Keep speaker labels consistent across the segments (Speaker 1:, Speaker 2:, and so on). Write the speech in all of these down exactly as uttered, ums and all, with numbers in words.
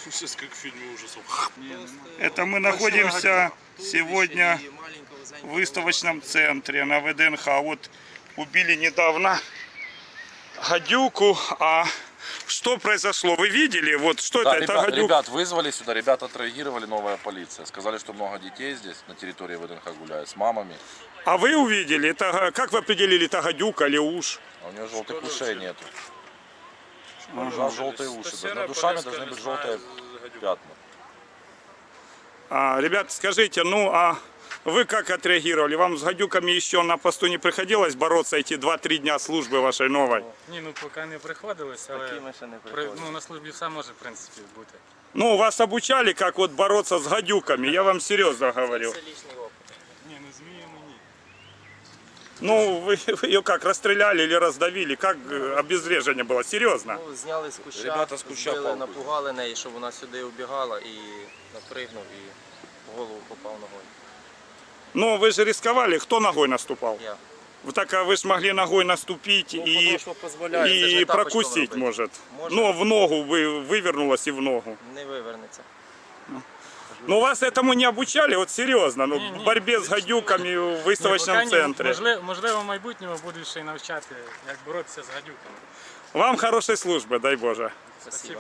Speaker 1: Сейчас как в фильме ужасов.
Speaker 2: Это мы находимся сегодня в выставочном центре на вэ дэ эн ха. Вот убили недавно гадюку, а что произошло? Вы видели? Вот что
Speaker 3: да,
Speaker 2: это?
Speaker 3: Ребят,
Speaker 2: это гадюк...
Speaker 3: ребят вызвали сюда, ребята отреагировали, новая полиция. Сказали, что много детей здесь на территории вэ дэ эн ха гуляют с мамами.
Speaker 2: А вы увидели? Это, как вы определили, это гадюка или уж?
Speaker 3: А у нее желтых ушей нету.
Speaker 2: Ага.
Speaker 3: У нас желтые уши. Над ушами должны быть желтые пятна.
Speaker 2: А, ребят, скажите, ну а вы как отреагировали? Вам с гадюками еще на посту не приходилось бороться эти два-три дня служби вашей новой?
Speaker 4: Ні, ну поки не приходилось, але при, ну, на службі все може, в принципі, бути.
Speaker 2: Ну, вас обучали, как вот бороться с гадюками, я вам серьезно говорю.
Speaker 4: Ні, ну зміями ні.
Speaker 2: Ну, вы, вы ее как, расстреляли или раздавили? Как э, обезвреживание было? Серьезно?
Speaker 5: Ну, зняли з куща,
Speaker 3: Ребята з куща
Speaker 5: збили,
Speaker 3: палку.
Speaker 5: напугали неї, щоб вона сюди убігала і напригнув і в голову попав ногою.
Speaker 2: Ну, вы же рисковали, кто ногой наступал?
Speaker 5: Я.
Speaker 2: Вы так, а вы ж могли ногой наступить
Speaker 5: Ну,
Speaker 2: и,
Speaker 5: потому що дозволяє, це ж
Speaker 2: и
Speaker 5: не тапочком
Speaker 2: прокусить,
Speaker 5: робити.
Speaker 2: может.
Speaker 5: Може.
Speaker 2: Ну, в ногу вы, вывернулась и в ногу.
Speaker 5: Не вивернеться.
Speaker 2: Ну, вас этому не обучали, вот серьезно, ну,
Speaker 4: Ні, ні.
Speaker 2: в борьбе с гадюками в
Speaker 4: Ні,
Speaker 2: выставочном
Speaker 4: поки ні.
Speaker 2: центре.
Speaker 4: Можливо, можливо, в майбутньому будуть ще й навчати, як боротися з гадюками.
Speaker 2: Вам хорошей службы, дай Боже.
Speaker 4: Спасибо.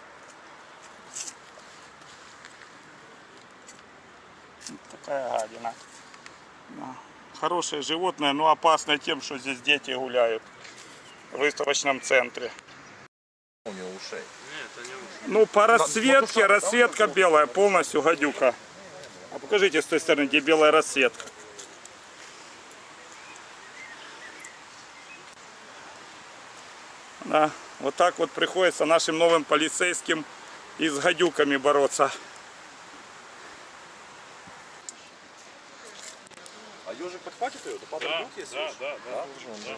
Speaker 2: Такая гадина. Да. Хорошее животное, но опасное тем, что здесь дети гуляют в выставочном центре.
Speaker 3: У нее ушей.
Speaker 2: Ну, по расцветке, расцветка белая, полностью гадюка. А покажите с той стороны, где белая расцветка. Да, вот так вот приходится нашим новым полицейским и с гадюками бороться.
Speaker 3: А ежик подхватит ее? Да, падает руки, если
Speaker 1: Да, да, да.
Speaker 3: да.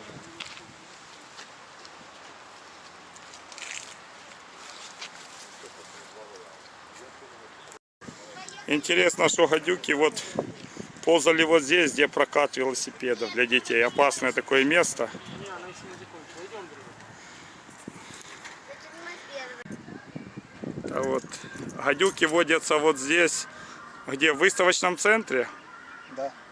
Speaker 2: Интересно, что гадюки вот ползали вот здесь, где прокат велосипедов для детей. Опасное такое место. А вот гадюки водятся вот здесь, где в выставочном центре.
Speaker 5: Да.